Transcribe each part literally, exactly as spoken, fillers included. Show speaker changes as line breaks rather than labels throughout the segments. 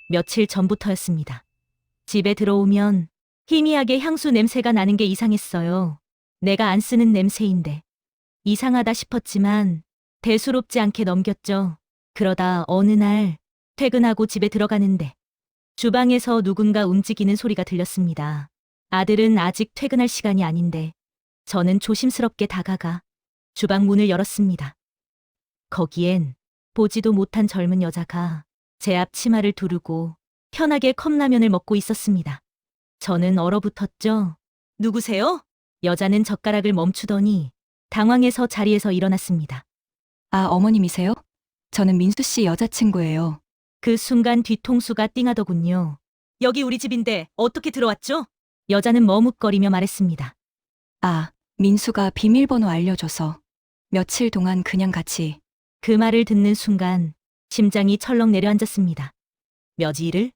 며칠 전부터였습니다. 집에 들어오면 희미하게 향수 냄새가 나는 게 이상했어요. 내가 안 쓰는 냄새인데. 이상하다 싶었지만 대수롭지 않게 넘겼죠. 그러다 어느 날 퇴근하고 집에 들어가는데 주방에서 누군가 움직이는 소리가 들렸습니다. 아들은 아직 퇴근할 시간이 아닌데 저는 조심스럽게 다가가 주방 문을 열었습니다. 거기엔 보지도 못한 젊은 여자가 제 앞 치마를 두르고 편하게 컵라면을 먹고 있었습니다. 저는 얼어붙었죠. 누구세요? 여자는 젓가락을 멈추더니 당황해서 자리에서 일어났습니다.
아, 어머님이세요? 저는 민수 씨 여자친구예요.
그 순간 뒤통수가 띵하더군요. 여기 우리 집인데 어떻게 들어왔죠? 여자는 머뭇거리며 말했습니다.
아, 민수가 비밀번호 알려줘서 며칠 동안 그냥 같이.
그 말을 듣는 순간 심장이 철렁 내려앉았습니다. 며칠을?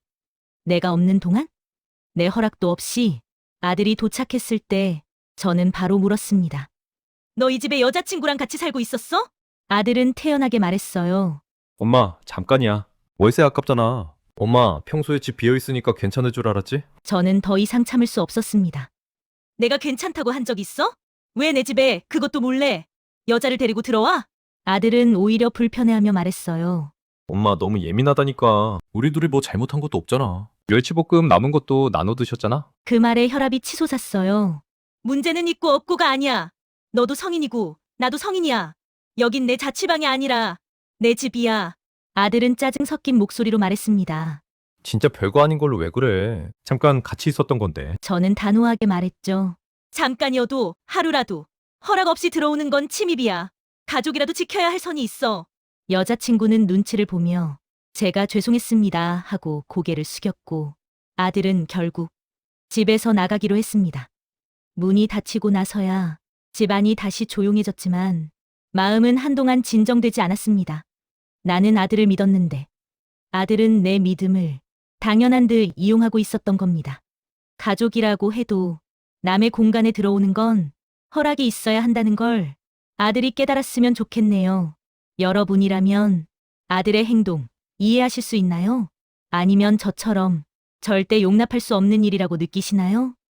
내가 없는 동안? 내 허락도 없이 아들이 도착했을 때 저는 바로 물었습니다. 너 이 집에 여자친구랑 같이 살고 있었어? 아들은 태연하게 말했어요.
엄마, 잠깐이야. 월세 아깝잖아. 엄마, 평소에 집 비어있으니까 괜찮을 줄 알았지?
저는 더 이상 참을 수 없었습니다. 내가 괜찮다고 한 적 있어? 왜 내 집에 그것도 몰래 여자를 데리고 들어와? 아들은 오히려 불편해하며 말했어요.
엄마, 너무 예민하다니까. 우리 둘이 뭐 잘못한 것도 없잖아. 멸치볶음 남은 것도 나눠 드셨잖아?
그 말에 혈압이 치솟았어요. 문제는 있고 없고가 아니야. 너도 성인이고 나도 성인이야. 여긴 내 자취방이 아니라 내 집이야. 아들은 짜증 섞인 목소리로 말했습니다.
진짜 별거 아닌 걸로 왜 그래. 잠깐 같이 있었던 건데.
저는 단호하게 말했죠. 잠깐이어도 하루라도 허락 없이 들어오는 건 침입이야. 가족이라도 지켜야 할 선이 있어. 여자친구는 눈치를 보며 제가 죄송했습니다 하고 고개를 숙였고 아들은 결국 집에서 나가기로 했습니다. 문이 닫히고 나서야 집안이 다시 조용해졌지만 마음은 한동안 진정되지 않았습니다. 나는 아들을 믿었는데 아들은 내 믿음을 당연한 듯 이용하고 있었던 겁니다. 가족이라고 해도 남의 공간에 들어오는 건 허락이 있어야 한다는 걸 아들이 깨달았으면 좋겠네요. 여러분이라면 아들의 행동 이해하실 수 있나요? 아니면 저처럼 절대 용납할 수 없는 일이라고 느끼시나요?